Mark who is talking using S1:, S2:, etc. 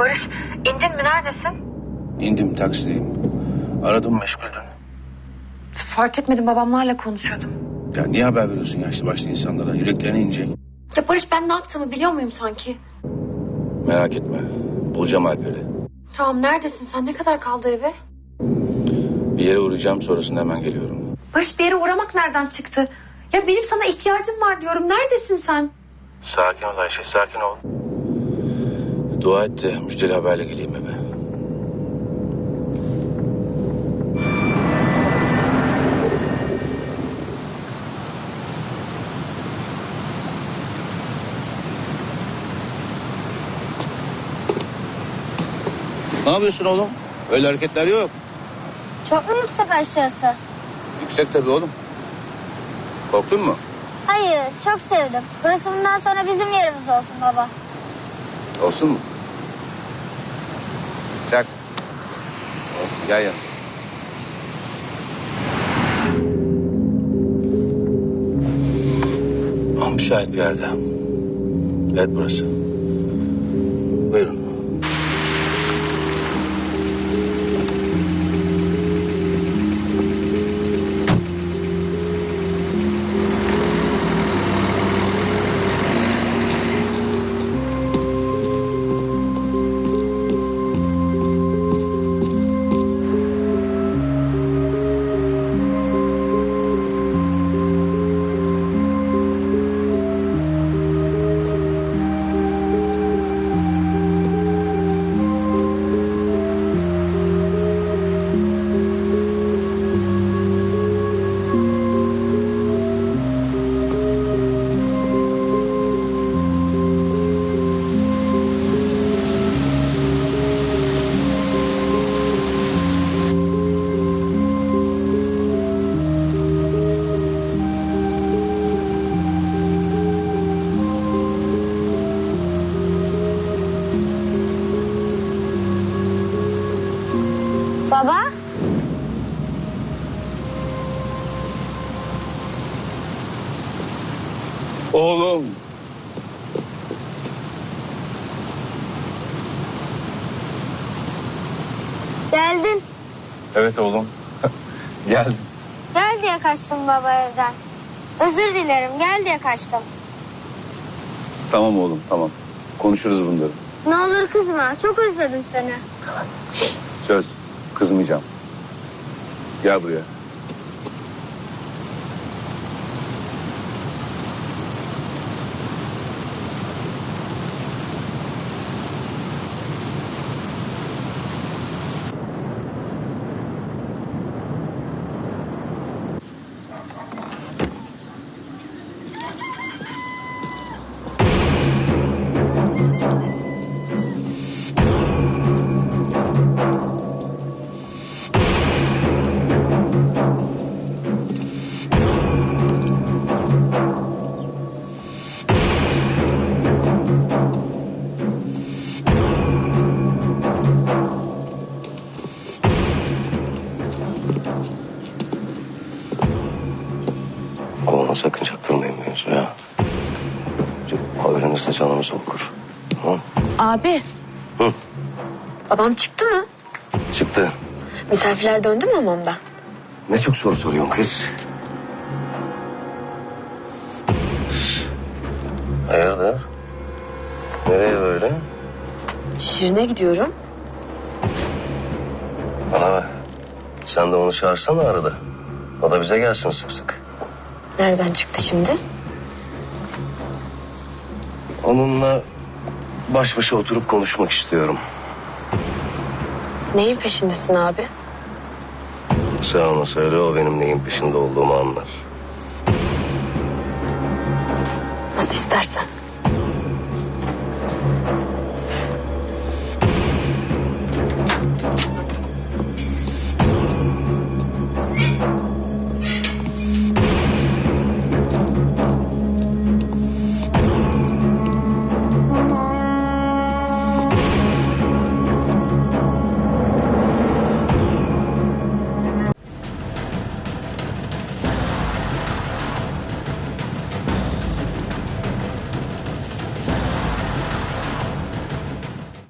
S1: Barış, indin mi, neredesin?
S2: İndim, taksideyim. Aradım, meşguldün.
S1: Fark etmedim, babamlarla konuşuyordum.
S2: Ya niye haber veriyorsun yaşlı başlı insanlara? Yüreklerine inecek.
S1: Ya Barış, ben ne yaptığımı biliyor muyum sanki?
S2: Merak etme. Bulacağım Alper'i.
S1: Tamam, neredesin sen? Ne kadar kaldı eve?
S2: Bir yere uğrayacağım, sonrasında hemen geliyorum.
S1: Barış, bir yere uğramak nereden çıktı? Ya benim sana ihtiyacım var diyorum. Neredesin sen?
S2: Sakin ol Ayşe, sakin ol. Dua et de müjdeli haberle geleyim eve. Ne yapıyorsun oğlum? Öyle hareketler yok.
S3: Çok mu yüksek aşağısı?
S2: Yüksek tabii oğlum. Korktun mu?
S3: Hayır, çok sevdim. Burası bundan sonra bizim yerimiz olsun baba.
S2: Olsun mu? Çak. Olsun, gel yanıma. Müsait bir yerde. Evet, burası. Buyurun.
S3: Baba?
S2: Oğlum.
S3: Geldin.
S2: Evet oğlum. Geldim.
S3: Gel diye kaçtım baba evden. Özür dilerim, gel diye kaçtım.
S2: Tamam oğlum, tamam. Konuşuruz bunları.
S3: Ne olur kızma, çok özledim seni.
S2: Söz, kızmayacağım. Gel buraya. Ama sakın çaktırmayın mevzuya. Öğrenirse canımızı okur. Tamam.
S1: Abi.
S2: Hı?
S1: Babam çıktı mı?
S2: Çıktı.
S1: Misafirler döndü mü hamamdan?
S2: Ne çok soru soruyorsun kız. Hayırdır? Nereye böyle?
S1: Şirin'e gidiyorum.
S2: Bana bak. Sen de onu çağırsana arada. O da bize gelsin sık sık.
S1: Nereden çıktı şimdi?
S2: Onunla baş başa oturup konuşmak istiyorum.
S1: Neyin peşindesin abi?
S2: Sen ona söyle, o benim neyin peşinde olduğumu anlar.